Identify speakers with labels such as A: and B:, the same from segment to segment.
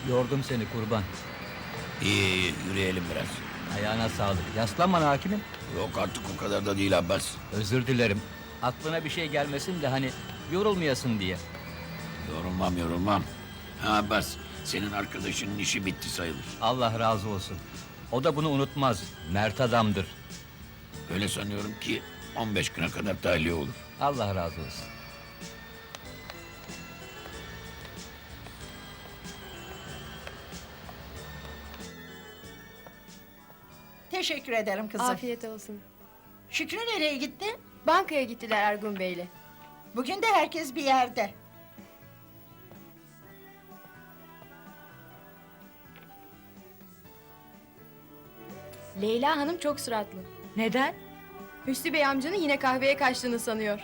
A: Yordum seni kurban.
B: İyi iyi yürüyelim biraz.
A: Ayağına sağlık. Yaslan bana hakimim.
B: Yok artık o kadar da değil Abbas.
A: Özür dilerim. Aklına bir şey gelmesin de hani yorulmayasın diye.
B: Yorulmam. Ha Abbas, senin arkadaşının işi bitti sayılır.
A: Allah razı olsun. O da bunu unutmaz. Mert adamdır.
B: Öyle sanıyorum ki 15 güne kadar tahliye olur.
A: Allah razı olsun.
C: Teşekkür ederim kızım.
D: Afiyet olsun.
C: Şükrü nereye gitti?
D: Bankaya gittiler Ergun Bey'le.
C: Bugün de herkes bir yerde.
D: Leyla Hanım çok suratlı.
E: Neden?
D: Hüsnü Bey amcanın yine kahveye kaçtığını sanıyor.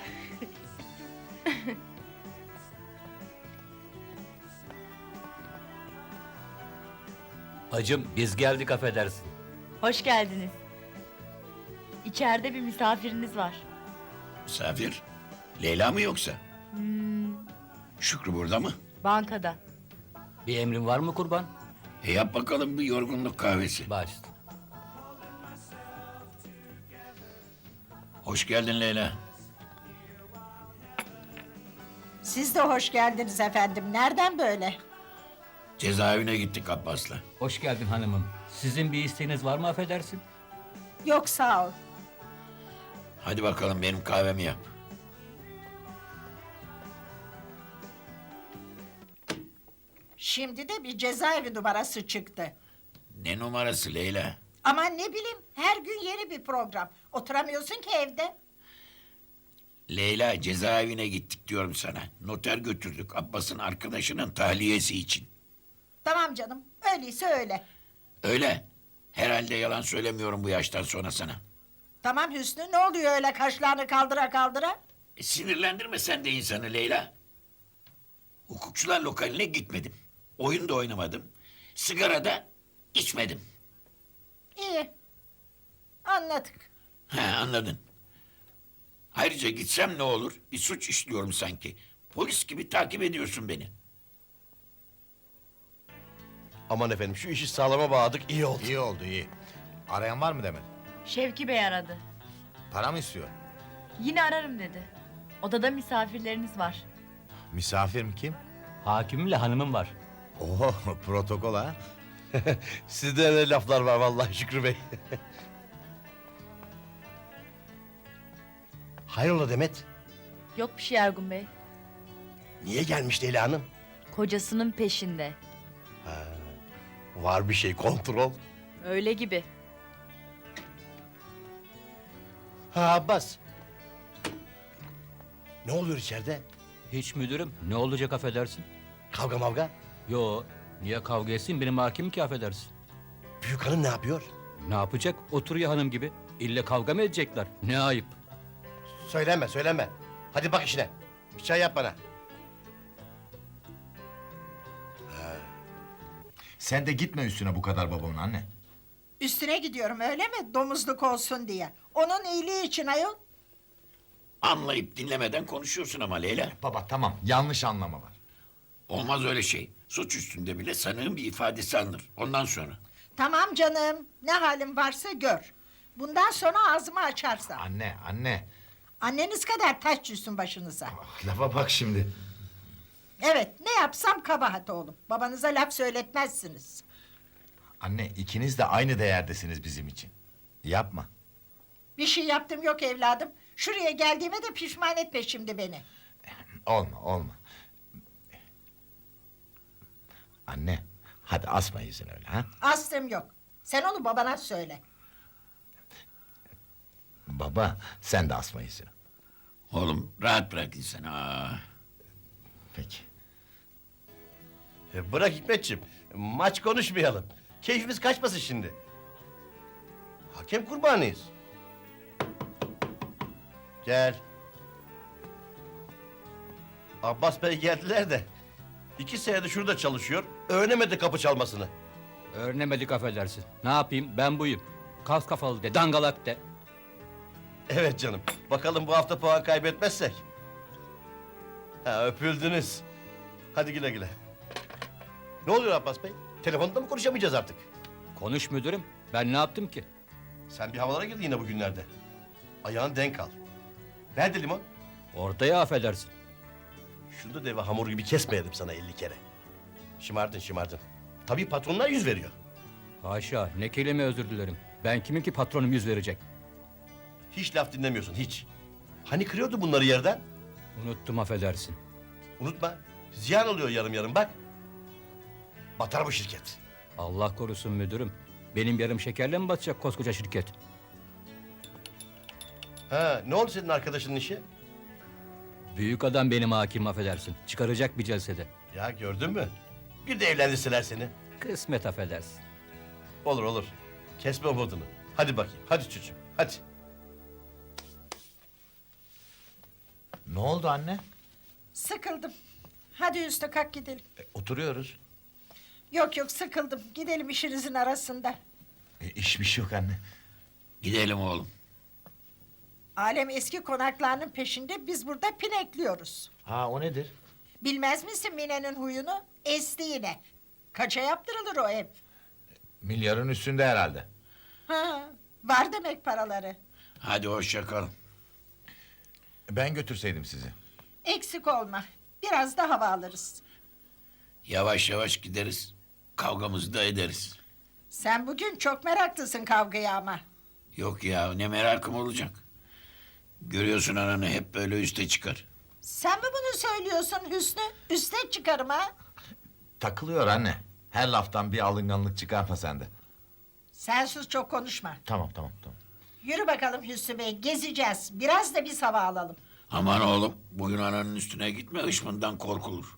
A: Hacım biz geldik affedersin.
E: Hoş geldiniz. İçeride bir misafiriniz var.
B: Misafir, Leyla mı yoksa? Şükrü burada mı?
E: Bankada.
A: Bir emrin var mı kurban?
B: Yap bakalım bir yorgunluk kahvesi.
A: Baş.
B: Hoş geldin Leyla.
C: Siz de hoş geldiniz efendim. Nereden böyle?
B: Cezaevine gittik Abbas'la.
A: Hoş geldin hanımım. Sizin bir isteğiniz var mı affedersin?
C: Yok sağ ol.
B: Hadi bakalım benim kahvemi yap.
C: Şimdi de bir cezaevi numarası çıktı.
B: Ne numarası Leyla?
C: Aman ne bileyim, her gün yeni bir program. Oturamıyorsun ki evde.
B: Leyla, cezaevine gittik diyorum sana. Noter götürdük Abbas'ın arkadaşının tahliyesi için.
C: Tamam canım, öyleyse öyle.
B: Öyle. Herhalde yalan söylemiyorum bu yaştan sonra sana.
C: Tamam Hüsnü, ne oluyor öyle kaşlarını kaldıra kaldıra?
B: Sinirlendirme sen de insanı Leyla. Hukukçular lokaline gitmedim. Oyun da oynamadım. Sigara da içmedim.
C: İyi, anladık.
B: He, anladın. Ayrıca gitsem ne olur? Bir suç işliyorum sanki. Polis gibi takip ediyorsun beni.
F: Aman efendim şu işi sağlama bağladık iyi oldu.
G: İyi oldu iyi. Arayan var mı Demet?
E: Şevki Bey aradı.
G: Para mı istiyor?
E: Yine ararım dedi. Odada misafirleriniz var.
G: Misafir mi kim?
A: Hakimimle hanımım var.
G: Oo protokol ha.
F: Sizde öyle laflar var vallahi Şükrü Bey. Hayrola Demet?
E: Yok bir şey Ergun Bey.
F: Niye gelmiş Leyla Hanım?
E: Kocasının peşinde.
F: Var bir şey kontrol.
E: Öyle gibi.
F: Ha Abbas. Ne oluyor içeride?
A: Hiç müdürüm. Ne olacak affedersin?
F: Kavga mavga?
A: Yo, niye kavga etsin benim hakim ki affedersin?
F: Büyük hanım ne yapıyor?
A: Ne yapacak? Oturuyor hanım gibi. İlle kavga mı edecekler? Ne ayıp.
F: Söyleme. Hadi bak işine. Bir çay yap bana.
G: Sen de gitme üstüne bu kadar babamın anne.
C: Üstüne gidiyorum öyle mi? Domuzluk olsun diye. Onun iyiliği için ayol.
B: Anlayıp dinlemeden konuşuyorsun ama Leyla.
G: Baba tamam yanlış anlama var.
B: Olmaz öyle şey. Suç üstünde bile sanığın bir ifadesi alınır. Ondan sonra.
C: Tamam canım, ne halin varsa gör. Bundan sonra ağzımı açarsam.
G: Anne.
C: Anneniz kadar taş düşsün başınıza.
G: Lafa bak şimdi.
C: Evet, ne yapsam kabahat oğlum. Babanıza laf söyletmezsiniz.
G: Anne ikiniz de aynı değerdesiniz bizim için. Yapma.
C: Bir şey yaptım yok evladım. Şuraya geldiğime de pişman etme şimdi beni.
G: Olma. Anne hadi asma yüzünü öyle ha.
C: Astım yok. Sen onu babana söyle.
G: Baba sen de asma yüzünü.
B: Oğlum rahat bırak insanı.
G: Peki.
F: Bırak Hikmetciğim. Maç konuşmayalım. Keyfimiz kaçmasın şimdi. Hakem kurbanıyız. Gel. Abbas Bey geldiler de. 2 senedir şurada çalışıyor. Öğrenemedi kapı çalmasını.
A: Öğrenemedik affedersin. Ne yapayım ben buyum. Kas kafalı de, dangalak de.
F: Evet canım. Bakalım bu hafta puan kaybetmezsek. Ha öpüldünüz. Hadi güle güle. Ne oluyor Abbas Bey? Telefonda mı konuşamayacağız artık?
A: Konuş müdürüm. Ben ne yaptım ki?
F: Sen bir havalara girdin yine bugünlerde. Ayağın denk al. Nerede limon?
A: Orada ya affedersin.
F: Şunu da deve hamur gibi kesmeyelim sana 50 kere. Şımardın şımardın. Tabii patronlar yüz veriyor.
A: Haşa, ne kelime özür dilerim. Ben kimim ki patronum yüz verecek?
F: Hiç laf dinlemiyorsun hiç. Hani kırıyordu bunları yerden?
A: Unuttum affedersin.
F: Unutma. Ziyan oluyor yarım yarım bak. Batar bu şirket.
A: Allah korusun müdürüm. Benim yarım şekerle mi batacak koskoca şirket?
F: Ha, ne oldu senin arkadaşının işi?
A: Büyük adam benim hakim affedersin. Çıkaracak bir celsede.
F: Ya gördün mü? Bir de evlendirseler seni.
A: Kısmet affedersin.
F: Olur olur. Kesme umudunu. Hadi bakayım. Hadi çocuğum. Hadi.
G: Ne oldu anne?
C: Sıkıldım. Hadi Hüsnü kalk gidelim.
G: Oturuyoruz.
C: Yok yok sıkıldım. Gidelim işinizin arasında.
G: İş bir şey yok anne.
B: Gidelim oğlum.
C: Alem eski konaklarının peşinde, biz burada pinekliyoruz.
G: Ha, o nedir?
C: Bilmez misin Mine'nin huyunu? Esti yine. Kaça yaptırılır o ev?
G: Milyarın üstünde herhalde.
C: Ha, var demek paraları.
B: Hadi hoşça kal.
G: Ben götürseydim sizi.
C: Eksik olma. Biraz da hava alırız.
B: Yavaş yavaş gideriz. Kavgamızı da ederiz.
C: Sen bugün çok meraklısın kavgaya ama.
B: Yok ya ne merakım olacak. Görüyorsun ananı hep böyle üste çıkar.
C: Sen mi bunu söylüyorsun Hüsnü? Üste çıkarım ha.
G: Takılıyor anne. Her laftan bir alınganlık çıkarma sen de.
C: Sen sus, çok konuşma.
G: Tamam.
C: Yürü bakalım Hüsnü Bey, gezeceğiz. Biraz da biz hava alalım.
B: Aman oğlum bugün ananın üstüne gitme hışmından korkulur.